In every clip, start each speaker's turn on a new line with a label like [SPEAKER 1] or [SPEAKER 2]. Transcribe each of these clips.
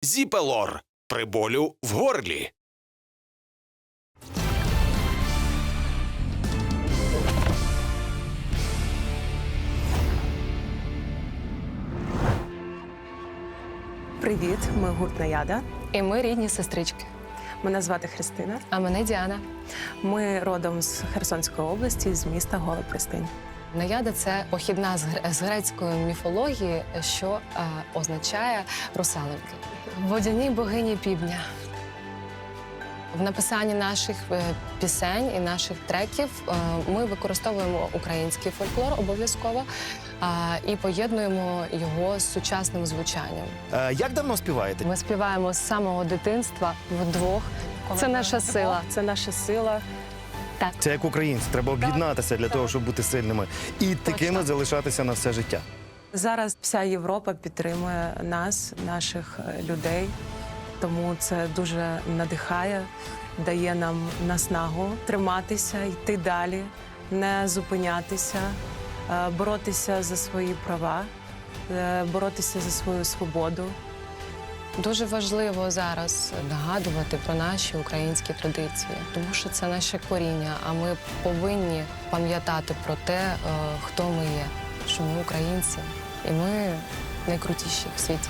[SPEAKER 1] Зіпелор при болю в горлі.
[SPEAKER 2] Привіт, ми гурт Наяда.
[SPEAKER 3] І ми рідні сестрички.
[SPEAKER 2] Мене звати Христина.
[SPEAKER 3] А мене Діана.
[SPEAKER 2] Ми родом з Херсонської області, з міста Гола Пристинь.
[SPEAKER 3] Наяда – це похідна з грецької міфології, що означає русалоньки. Водяні богині півдня. В написанні наших пісень і наших треків ми використовуємо український фольклор обов'язково і поєднуємо його з сучасним звучанням.
[SPEAKER 4] Як давно співаєте?
[SPEAKER 3] Ми співаємо з самого дитинства вдвох. Це наша сила.
[SPEAKER 2] Це наша сила.
[SPEAKER 3] Так.
[SPEAKER 4] Це як українці, треба об'єднатися для того, щоб бути сильними. І такими залишатися на все життя.
[SPEAKER 2] Зараз вся Європа підтримує нас, наших людей. Тому це дуже надихає, дає нам наснагу триматися, йти далі, не зупинятися, боротися за свої права, боротися за свою свободу.
[SPEAKER 3] Дуже важливо зараз нагадувати про наші українські традиції, тому що це наше коріння, а ми повинні пам'ятати про те, хто ми є, що ми українці, і ми найкрутіші в світі.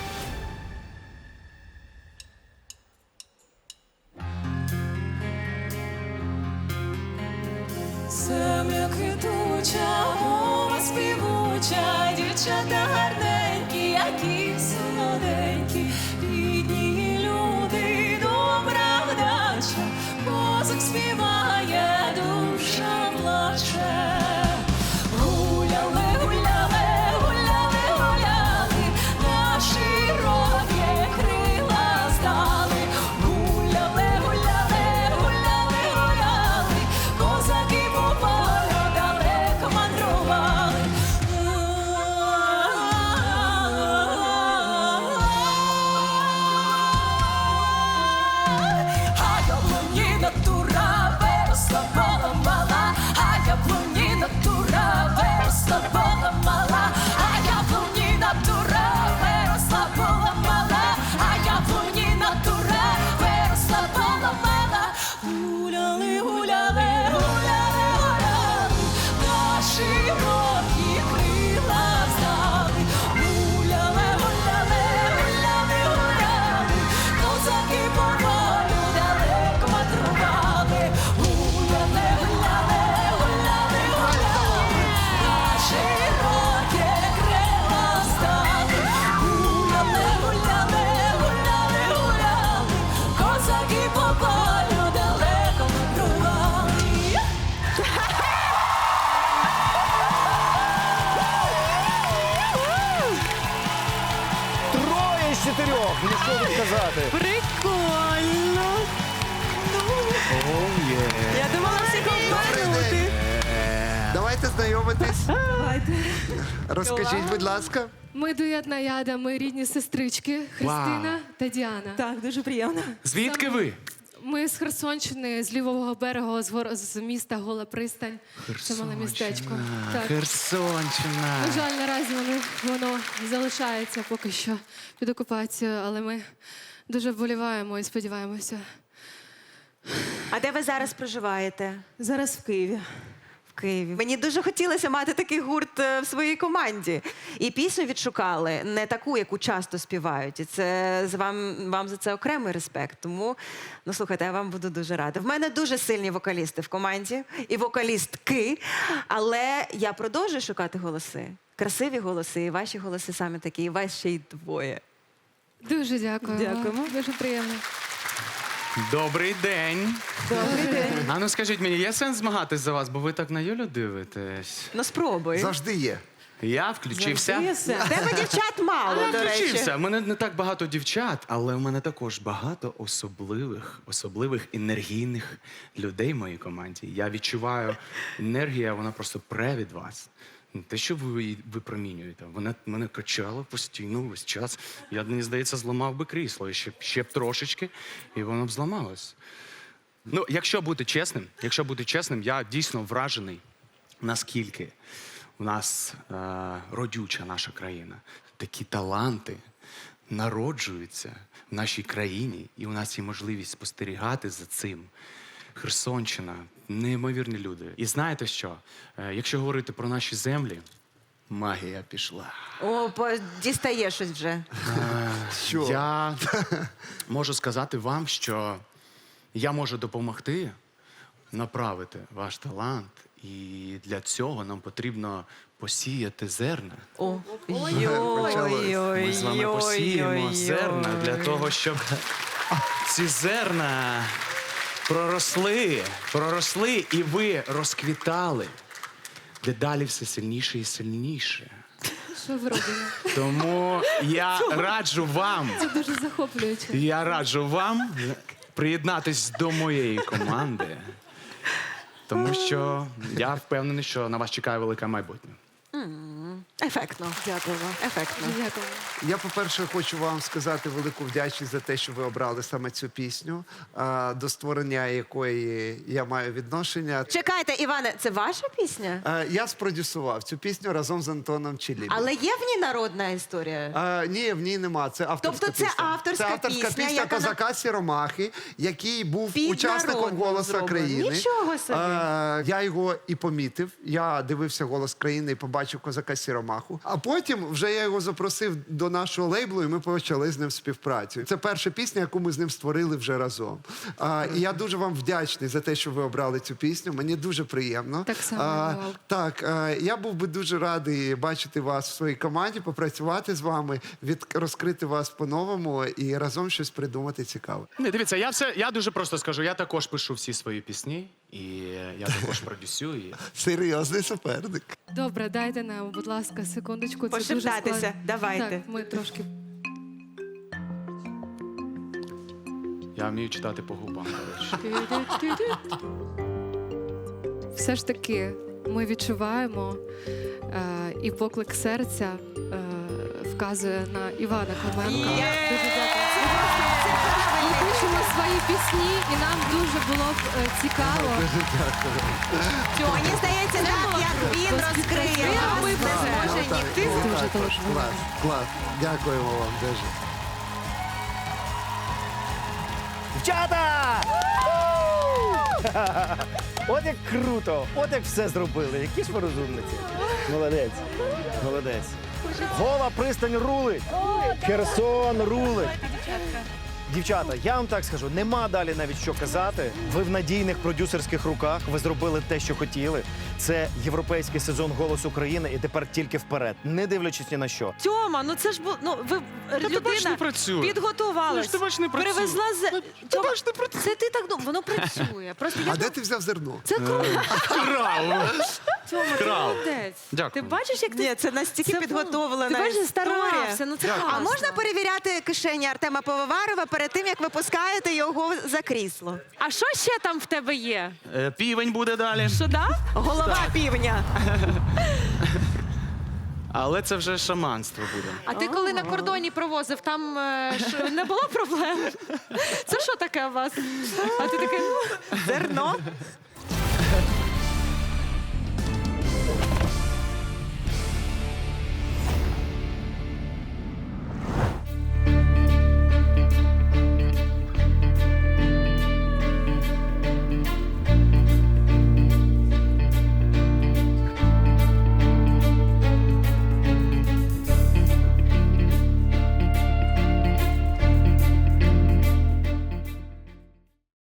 [SPEAKER 5] Земля квітуча, мова співуча, дівчата гарненькі, які солоденькі, рідні люди, добра вдача, мозок співає, душа плаче. Гуляли, гуляли, гуляли, гуляли, на широкі крила здали. Гуляли, гуляли, гуляли, гуляли, козаки по полю далеко мандрували. А яблуніна тура виросла, поламала, а яблуніна тура виросла, поламала, а яблуніна тура виросла, поламала, а яблуніна тура виросла, поламала. Гуляли, гуляли, гуляли, гуляли, на широкі крила здали. Гуляли, гуляли, гуляли, гуляли, козаки по полю далеко мандрували. Гуляли, гуляли, гуляли, гуляли, на широкі крила здали. Гуляли, гуляли, гуляли, гуляли, козаки по полю далеко мандрували.
[SPEAKER 4] Троє з чотирьох! Ну що тут казати?
[SPEAKER 2] Прикольно! Я думала всіх обманути.
[SPEAKER 6] Давайте знайомитись. Розкажіть, будь ласка.
[SPEAKER 5] Ми дует Наяда, ми рідні сестрички Христина та Діана.
[SPEAKER 2] Так, дуже приємно.
[SPEAKER 7] Звідки ви?
[SPEAKER 5] Ми з Херсонщини, з лівого берега, з міста Гола Пристань. Це мале містечко. Так.
[SPEAKER 7] Херсонщина.
[SPEAKER 5] На жаль, наразі воно залишається поки що під окупацією, але ми дуже вболіваємо і сподіваємося.
[SPEAKER 8] А де ви зараз проживаєте?
[SPEAKER 2] Зараз в Києві.
[SPEAKER 8] В Києві. Мені дуже хотілося мати такий гурт в своїй команді. І пісню відшукали, не таку, яку часто співають. І це вам за це окремий респект. Тому, ну слухайте, я вам буду дуже рада. В мене дуже сильні вокалісти в команді і вокалістки, але я продовжую шукати голоси. Красиві голоси, і ваші голоси саме такі, і вас ще й двоє.
[SPEAKER 5] Дуже дякуємо.
[SPEAKER 2] Дякуємо.
[SPEAKER 5] Дуже приємно.
[SPEAKER 7] Добрий день.
[SPEAKER 2] Добрий день.
[SPEAKER 7] А ну скажіть мені, є сенс змагатись за вас, бо ви так на Юлю дивитесь?
[SPEAKER 8] Ну спробуй.
[SPEAKER 6] Завжди є.
[SPEAKER 7] Я включився.
[SPEAKER 8] В тебе дівчат мало,
[SPEAKER 7] Я
[SPEAKER 8] до речі.
[SPEAKER 7] включився. У мене не так багато дівчат, але у мене також багато особливих енергійних людей в моїй команді. Я відчуваю енергія, вона просто пре від вас. Не те, що ви її випромінюєте. Вона мене качала постійно весь час. Я, мені здається, зламав би крісло. І ще б трошечки, і воно б зламалось. Ну, якщо бути чесним, я дійсно вражений, наскільки у нас родюча наша країна. Такі таланти, народжуються в нашій країні, і у нас є можливість спостерігати за цим. Херсонщина, неймовірні люди. І знаєте що? Якщо говорити про наші землі, магія пішла.
[SPEAKER 8] О, дістає щось вже.
[SPEAKER 6] Що?
[SPEAKER 7] Я можу сказати вам, що я можу допомогти направити ваш талант, і для цього нам потрібно посіяти зерна.
[SPEAKER 8] О,
[SPEAKER 7] Ми з вами посіємо зерна для того, щоб ці зерна проросли, і ви розквітали дедалі все сильніше і сильніше.
[SPEAKER 5] Що ви робите?
[SPEAKER 7] Тому я раджу вам,
[SPEAKER 5] Дуже захоплююче.
[SPEAKER 7] приєднатись до моєї команди, тому що я впевнений, що на вас чекає велике майбутнє.
[SPEAKER 8] ефектно. Дякуємо. Ефектно.
[SPEAKER 5] Дякую.
[SPEAKER 6] Я, по-перше, хочу вам сказати велику вдячність за те, що ви обрали саме цю пісню, до створення якої я маю відношення.
[SPEAKER 8] Чекайте, Іване, це ваша пісня?
[SPEAKER 6] Я спродюсував цю пісню разом з Антоном Челібі.
[SPEAKER 8] Але є в ній народна історія?
[SPEAKER 6] Ні, в ній нема. Це авторська
[SPEAKER 8] Тобто це
[SPEAKER 6] пісня.
[SPEAKER 8] авторська
[SPEAKER 6] Це авторська
[SPEAKER 8] пісня,
[SPEAKER 6] пісня
[SPEAKER 8] яка на-
[SPEAKER 6] козака Сіромахи, який був
[SPEAKER 8] Під
[SPEAKER 6] учасником
[SPEAKER 8] народну
[SPEAKER 6] «Голоса
[SPEAKER 8] зроблено».
[SPEAKER 6] країни.
[SPEAKER 8] Нічого собі.
[SPEAKER 6] Я його і помітив. Я дивився «Голос країни» і побачив козака Сіромаху. А потім вже я його запросив до нашого лейблу, і ми почали з ним співпрацю. Це перша пісня, яку ми з ним створили вже разом. І я дуже вам вдячний за те, що ви обрали цю пісню. Мені дуже приємно.
[SPEAKER 5] Так само, Вал.
[SPEAKER 6] Так, я був би дуже радий бачити вас в своїй команді, попрацювати з вами, розкрити вас по-новому і разом щось придумати цікаве.
[SPEAKER 7] Не, дивіться, я дуже просто скажу, я також пишу всі свої пісні, і я також продюсую їх.
[SPEAKER 6] Серйозний суперник.
[SPEAKER 5] Добре, дайте нам, будь ласка, секундочку. Це дуже
[SPEAKER 8] Пошептатися.
[SPEAKER 5] складно.
[SPEAKER 8] Давайте.
[SPEAKER 5] Так, ми трошки.
[SPEAKER 7] Я вмію читати по губам, до речі.
[SPEAKER 5] Все ж таки, ми відчуваємо, і поклик серця вказує на Івана Клименка. Дуже дякую. Ми пишемо свої пісні, і нам дуже було б цікаво.
[SPEAKER 8] Мені здається, так, як він розкриє вас, не зможе ніхто.
[SPEAKER 5] Дуже
[SPEAKER 6] Клас, клас. Дякуємо вам дуже.
[SPEAKER 4] Дівчата! От як круто! От як все зробили. Які ж ви розумниці. Молодець. Молодець. Гола пристань рулить. Херсон рулить. Дівчата, я вам так скажу, нема далі навіть що казати. Ви в надійних продюсерських руках, ви зробили те, що хотіли. Це європейський сезон «Голос України» і тепер тільки вперед, не дивлячись ні на що.
[SPEAKER 8] Тьома, ну це ж було, ну ви
[SPEAKER 7] ти бачиш, не
[SPEAKER 8] людина
[SPEAKER 7] працює.
[SPEAKER 8] підготувалась,
[SPEAKER 7] Ти бачиш, не працює.
[SPEAKER 8] привезла з... Тьома,
[SPEAKER 7] бачиш, не працює.
[SPEAKER 8] це ти так думав, воно працює. Просто я
[SPEAKER 6] А де ти взяв зерно?
[SPEAKER 8] Це круто.
[SPEAKER 5] Тьома, ти
[SPEAKER 7] Крав.
[SPEAKER 5] молодець.
[SPEAKER 7] Дякую.
[SPEAKER 5] Ти бачиш, як ти...
[SPEAKER 8] Ні, це настільки
[SPEAKER 5] Це
[SPEAKER 8] підготовлена
[SPEAKER 5] Ти бачиш,
[SPEAKER 8] історія.
[SPEAKER 5] старався, ну це
[SPEAKER 8] А
[SPEAKER 5] класно.
[SPEAKER 8] можна перевіряти кишені Артема Пивоварова перед тим, як ви пускаєте його за крісло?
[SPEAKER 9] А що ще там в тебе є?
[SPEAKER 7] Півень буде далі.
[SPEAKER 9] Що да?
[SPEAKER 8] Голова півня.
[SPEAKER 7] Але це вже шаманство буде.
[SPEAKER 9] А ти коли на кордоні провозив, там не було проблем? Це що таке у вас? А ти такий, ну,
[SPEAKER 8] Зерно.